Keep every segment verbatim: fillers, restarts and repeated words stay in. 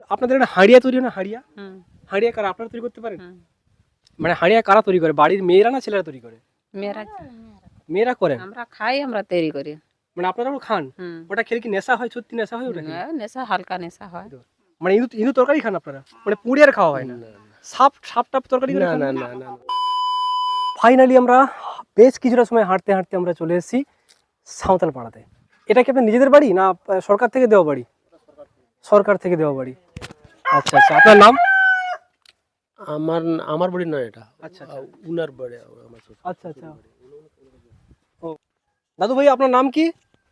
আপনাদের একটা হাঁড়িয়া তৈরি হয় না, হাঁড়িয়া? হুম হাঁড়িয়া কারা আপনারা তৈরি করতে পারেন? হুম মানে হাঁড়িয়া কারা তৈরি করে, বাড়ির মেয়েরা না ছেলেরা তৈরি করে? মেয়েরা মেয়েরা করেন? আমরা খাই, আমরা তৈরি করি। মানে আপনারাও খান? হুম ওটা খেলে কি নেশা হয়? সত্যি নেশা হয় ওটা খেলে? হ্যাঁ, নেশা, হালকা নেশা হয়। মানে ইঁদুর ইঁদুর তরকারি খান আপনারা? মানে পুড়ে আর খাওয়া হয় না? সাপ সাপ টাপ তরকারি করে না খান? না না না ফাইনালি আমরা বেশ কিছুটা সময় হাঁটতে হাঁটতে আমরা চলে এসেছি সাঁওতাল পাড়াতে। এটা কি আপনার নিজেদের বাড়ি না আহ, সরকার থেকে দেওয়া বাড়ি? সরকার থেকে দেওয়া বাড়ি। আচ্ছা আচ্ছা, আপনার নাম? আমার আমার বাড়ি নয় এটা, আচ্ছা আচ্ছা উনার বাড়ি আমার শ্বশুর। আচ্ছা আচ্ছা ও দাদু ভাই, আপনার নাম কি?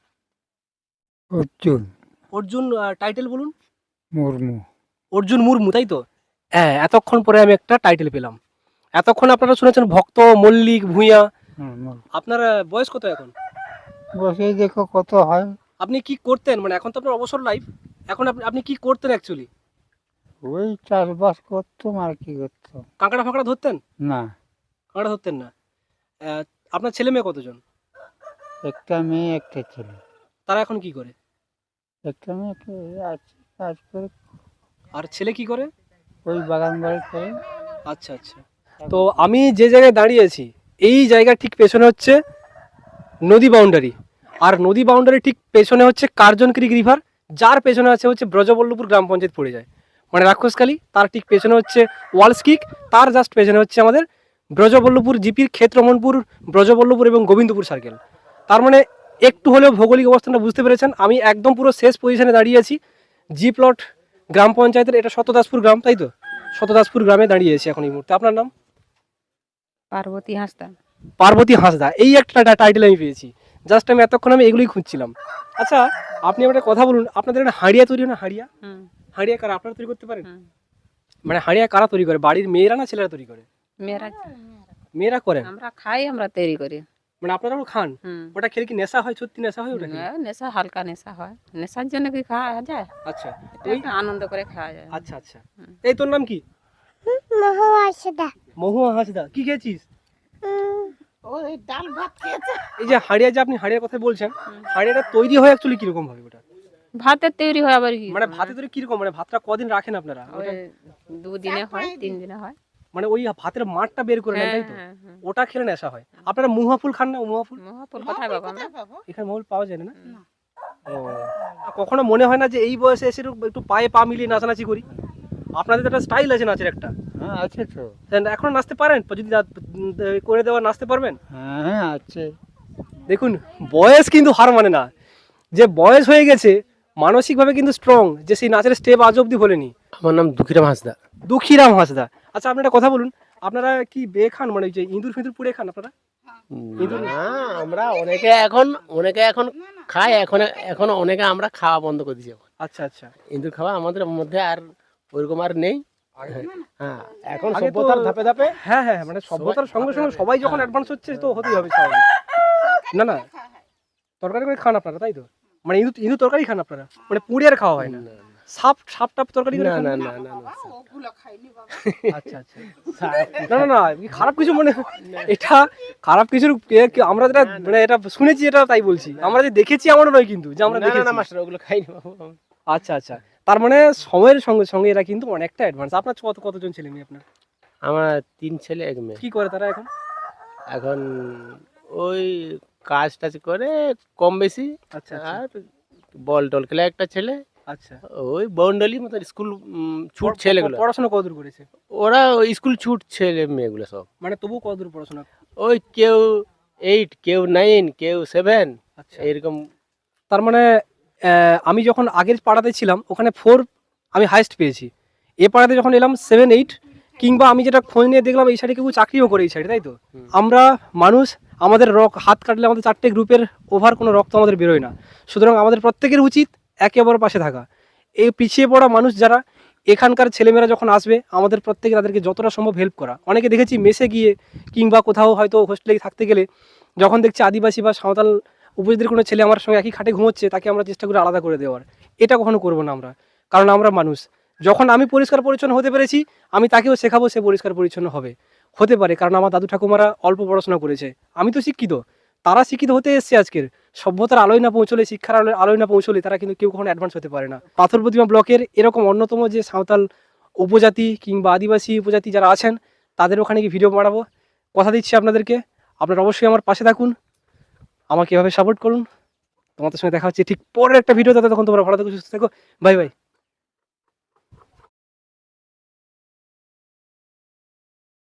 অর্জুন অর্জুন, টাইটেল বলুন। মুর্মু। অর্জুন মুর্মু, তাই তো? হ্যাঁ, এতক্ষণ পরে আমি একটা টাইটেল পেলাম। এতক্ষণ আপনারা শুনেছেন ভক্ত, মল্লিক, ভূঁইয়া। আপনার আহ, বয়স কত এখন? বসেই দেখো কত হয়। আপনি কি করতেন, মানে এখন তো আপনার অবসর লাইফ, এখন আপনি আপনি কি করতেন অ্যাকচুয়ালি? ওই চাষবাস করতাম আর কি করতাম। কাঁকড়া ফাঁকড়া ধরতেন? না, কাঁকড়া ধরতেন না? আহ, আপনার ছেলে মেয়ে কতজন? একটা মেয়ে একটা ছেলে। তারা এখন কি করে? একটা মেয়ে একটা আছে, কাজ করে, আর ছেলে কি করে? ওই বাগান বাড়ি করে। আচ্ছা আচ্ছা। তো আমি যে জায়গায় দাঁড়িয়েছি, এই জায়গার ঠিক পেছনে হচ্ছে নদী বাউন্ডারি, আর নদী বাউন্ডারি ঠিক পেছনে হচ্ছে কার্জন ক্রিক রিভার, যার পেছনে আছে হচ্ছে ব্রজবল্লভপুর গ্রাম পঞ্চায়েত পড়ে যায়, মানে রাক্ষসকালী। তার ঠিক পেছনে হচ্ছে ওয়ালস কিক, তার জাস্ট পেছনে হচ্ছে আমাদের ব্রজবল্লভপুর জিপির ক্ষেত্রমনপুর, ব্রজবল্লভপুর এবং গোবিন্দপুর সার্কেল। তার মানে একটু হলেও ভৌগোলিক অবস্থানটা বুঝতে পেরেছেন। আমি একদম পুরো শেষ পজিশনে দাঁড়িয়ে আছি জি প্লট গ্রাম পঞ্চায়েতের। এটা শতদাসপুর গ্রাম, তাই তো? শতদাসপুর গ্রামে দাঁড়িয়ে আছি এখন এই মুহূর্তে। আপনার নাম? পার্বতী হাঁসদা। পার্বতী হাঁসদা, এই একটা টাইটেল আমি পেয়েছি। জাস্ট আমি এতক্ষণ আমি এগুলোই খুঁজছিলাম। আচ্ছা, আপনি আমার একটা কথা বলুন, আপনাদের একটা হাঁড়িয়া তৈরি হয় না, হাঁড়িয়া? হুম হাঁড়িয়া কারা আপনারা তৈরি করতে পারেন? হুম মানে হাঁড়িয়া কারা তৈরি করে, বাড়ির মেয়েরা না ছেলেরা তৈরি করে? মেয়েরা মেয়েরা করেন? আমরা খাই, আমরা তৈরি করি। মানে আপনারাও খান? হুম ওটা খেলে কি নেশা হয়? সত্যি নেশা হয় ওটা খেলে? হ্যাঁ, নেশা, হালকা নেশা হয়। নেশার জন্য কি খাওয়া যায়? আচ্ছা এটা ওই একটা আনন্দ করে খাওয়া যায়। আচ্ছা আচ্ছা। হুম। এই তোর নাম কি? মহুয়া হাঁসদা। কি খেয়েছিস? ওই ডাল ভাত খেয়েছে। এই যে হাঁড়িয়া, যে আপনি হাঁড়িয়ার কথা বলছেন, হাঁড়িয়াটা তৈরি হয় অ্যাকচুয়ালি কিরকম ভাবে ওটা? ভাতের তৈরি হয় আবার কি? মানে ভাতে তৈরি কিরকম, মানে ভাতটা কদিন রাখেন আপনারা? ওই ওটা দুদিনে হয়, তিন দিনে হয়। মানে ওই ভাতের মাঠটা বের করে নেন, হ্যাঁ তাই তো? হ্যাঁ হ্যাঁ। ওটা খেলে নেশা হয়। আপনারা মুহা ফুল খান না? মুহা ফুল মহাপুর কোথায় পাবো আমরা? এখানে মহুল পাওয়া যায় না? ও, কখনো মনে হয় না যে এই বয়সে এসে একটু- একটু পায়ে পা মিলিয়ে নাচানাচি করি? আপনাদের তো একটা স্টাইল আছে নাচের একটা। হ্যাঁ আছে তো। এখন নাচতে পারেন? যদি না- উম, করে দেওয়া নাচতে পারবেন? হ্যাঁ হ্যাঁ আছে। দেখুন, বয়স কিন্তু হার মানে না। যে বয়স হয়ে গেছে, মানসিকভাবে কিন্তু স্ট্রং, যে সেই নাচের স্টেপ আজ অব্দি ভোলেনি। আমার নাম দুঃখীরাম হাঁসদা। দুঃখীরাম হাঁসদা। আচ্ছা, আপনি একটা কথা বলুন, আপনারা কি বেয়ে খান, মানে ওই যে ইঁদুর ফিঁদুর পুড়ে খান আপনারা? না, আমরা অনেকে এখন অনেকে এখন খায়, এখন এখন অনেকে আমরা খাওয়া বন্ধ করে দিয়েছি এখন। আচ্ছা আচ্ছা। ইঁদুর খাওয়া আমাদের মধ্যে আর ওইরকম আর নেই। হ্যাঁ, এখন আগে তো- সভ্যতার ধাপে ধাপে হ্যাঁ হ্যাঁ, মানে সভ্যতার সঙ্গে সঙ্গে সবাই যখন অ্যাডভান্স হচ্ছে তো হতেই হবে স্বাভাবিক। না না, তরকারি করে খান আপনারা, তাই তো? মানে ইঁদুর ইঁদুর তরকারি খান আপনারা? মানে পুড়ে আর খাওয়া হয় না? সাপ সাপ টাপ তরকারি করে না খান? না না না না আচ্ছা আচ্ছা। না না না, কি খারাপ কিছু মনে, এটা খারাপ কিছুর কে- কে- আমরা যেটা মানে এটা শুনেছি এটা তাই বলছি, আমরা যে দেখেছি এমনও নয় কিন্তু যে আমরা না, না, দেখেছি। না, মাস্টার ওগুলো খাইনি বাবু। আচ্ছা আচ্ছা, তার মানে সময়ের সঙ্গে সঙ্গে এরা কিন্তু অনেকটা অ্যাডভান্স। আপনার কত কতজন ছেলে মেয়ে আপনার? আমার তিন ছেলে এক মেয়ে। কি করে তারা এখন? এখন ওই কাজ টাজ করে কম বেশি। আচ্ছা আচ্ছা আর বল টল খেলে একটা ছেলে, আচ্ছা। ওই বাউন্ডারি মতো স্কুল ছুট ছেলেগুলো, পড়াশোনা কতদূর করেছে? ওরা ওই স্কুল ছুট ছেলে মেয়েগুলো সব। মানে তবু কতদূর পড়াশোনা? ওই কেউ এইট, কেউ নাইন, কেউ সেভেন, আচ্ছা। এইরকম। তার মানে আহ, আমি যখন আগের পাড়াতে ছিলাম ওখানে ফোর আমি হাইস্ট পেয়েছি। এ পাড়াতে যখন এলাম সেভেন এইট, কিংবা আমি যেটা খোঁজ নিয়ে দেখলাম এই সাইডে কেউ চাকরিও করে এই সাইডে, তাই তো? হুম। আমরা মানুষ, আমাদের রক হাত কাটলে আমাদের চারটে গ্রুপের ওভার কোনো রক্ত আমাদের বেরোয় না। সুতরাং আমাদের প্রত্যেকের উচিত একে অপরের পাশে থাকা। এই পিছিয়ে পড়া মানুষ যারা, এখানকার ছেলেমেয়েরা যখন আসবে আমাদের প্রত্যেকে তাদেরকে যতটা সম্ভব হেল্প করা। অনেকে দেখেছি মেসে গিয়ে কিংবা কোথাও হয়তো হোস্টেলে থাকতে গেলে যখন দেখছি আদিবাসী বা সাঁওতাল উপজাতির কোনো ছেলে আমার সঙ্গে একই খাটে ঘুমোচ্ছে, তাকে আমরা চেষ্টা করি আলাদা করে দেওয়ার। এটা কখনো করবো না আমরা, কারণ আমরা মানুষ। যখন আমি পরিষ্কার পরিচ্ছন্ন হতে পেরেছি, আমি তাকেও শেখাবো সে পরিষ্কার পরিচ্ছন্ন হবে। হতে পারে কারণ আমার দাদু ঠাকুমারা অল্প পড়াশোনা করেছে, আমি তো শিক্ষিত, তারা শিক্ষিত হতে এসছে আজকের, সভ্যতার আলোয় না পৌঁছলে, শিক্ষার আলোয় আলোয় না পৌঁছলে তারা কিন্তু কেউ কখনো অ্যাডভান্স হতে পারে না। পাথর প্রতিমা ব্লকের এরকম অন্যতম যে সাঁওতাল উপজাতি কিংবা আদিবাসী উপজাতি যারা আছেন তাদের ওখানে গিয়ে ভিডিও বানাবো, কথা দিচ্ছি আপনাদেরকে। আপনারা অবশ্যই আমার পাশে থাকুন, আমাকে এভাবে সাপোর্ট করুন। তোমাদের সঙ্গে দেখা হচ্ছে ঠিক পরের একটা ভিডিও, তখন তোমরা ভালো থাকো, সুস্থ থাকো, বাই বাই।